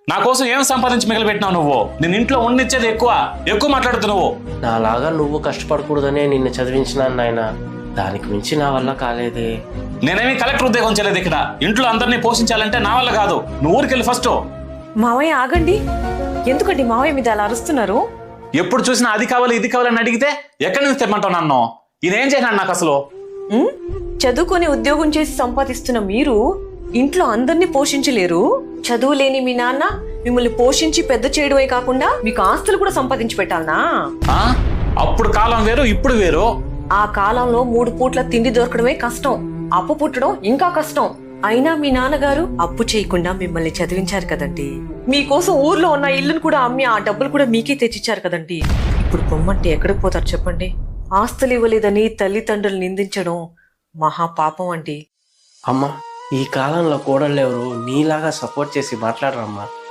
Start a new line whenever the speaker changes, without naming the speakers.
నా కోసం ఏం సంపాదించి మిగిలిపెట్టినావు నువ్వు? నేను ఇంట్లో ఉండిచ్చేది ఎక్కువ మాట్లాడుతున్నావు.
నాలాగా నువ్వు కష్టపడకూడదనే నిన్ను చదివించినాను నాయన. దానికి మించి నా వల్ల కాలేదే.
నేనేమి కలెక్టర్ ఉద్యోగం చేయలేదు ఇక్కడ. ఇంట్లో అందరినీ పోషించాలంటే నా వల్ల కాదు. నువ్వు ఊరికెళ్ళి ఫస్ట్.
మావయ్య ఆగండి. ఎందుకండి మావయ్య మీద అలా అరుస్తున్నారు?
ఎప్పుడు చూసినా అది కావాలి ఇది కావాలని అడిగితే ఎక్కడి నుంచి తెమ్మంటావు నన్ను? ఇదేం చేసినాడు నాకు అసలు?
చదువుకొని ఉద్యోగం చేసి సంపాదిస్తున్న మీరు ఇంట్లో అందరినీ పోషించలేరు. చదువు లేని మీ నాన్న మిమ్మల్ని పోషించి పెద్ద చేయడమే కాకుండా మీకు ఆస్తులు కూడా సంపాదించి పెట్టాలనా?
అప్పుడు కాలం వేరు, ఇప్పుడు వేరు.
ఆ కాలంలో 3 పూట్ల తిండి దొరకడమే కష్టం, అప్పు పుట్టడం ఇంకా కష్టం. అయినా మీ నాన్నగారు అప్పు చేయకుండా మిమ్మల్ని చదివించారు కదండి. మీకోసం ఊర్లో ఉన్న ఇల్లును కూడా అమ్మి ఆ డబ్బులు కూడా మీకే తెచ్చిచ్చారు కదండి. ఇప్పుడు పొమ్మంటే ఎక్కడికి పోతారు చెప్పండి? ఆస్తులు ఇవ్వలేదని తల్లిదండ్రులు నిందించడం మహా పాపం అండి.
అమ్మా, ఈ కాలంలో కోడళ్ళెవరు నీలాగా సపోర్ట్ చేసి మాట్లాడరమ్మా.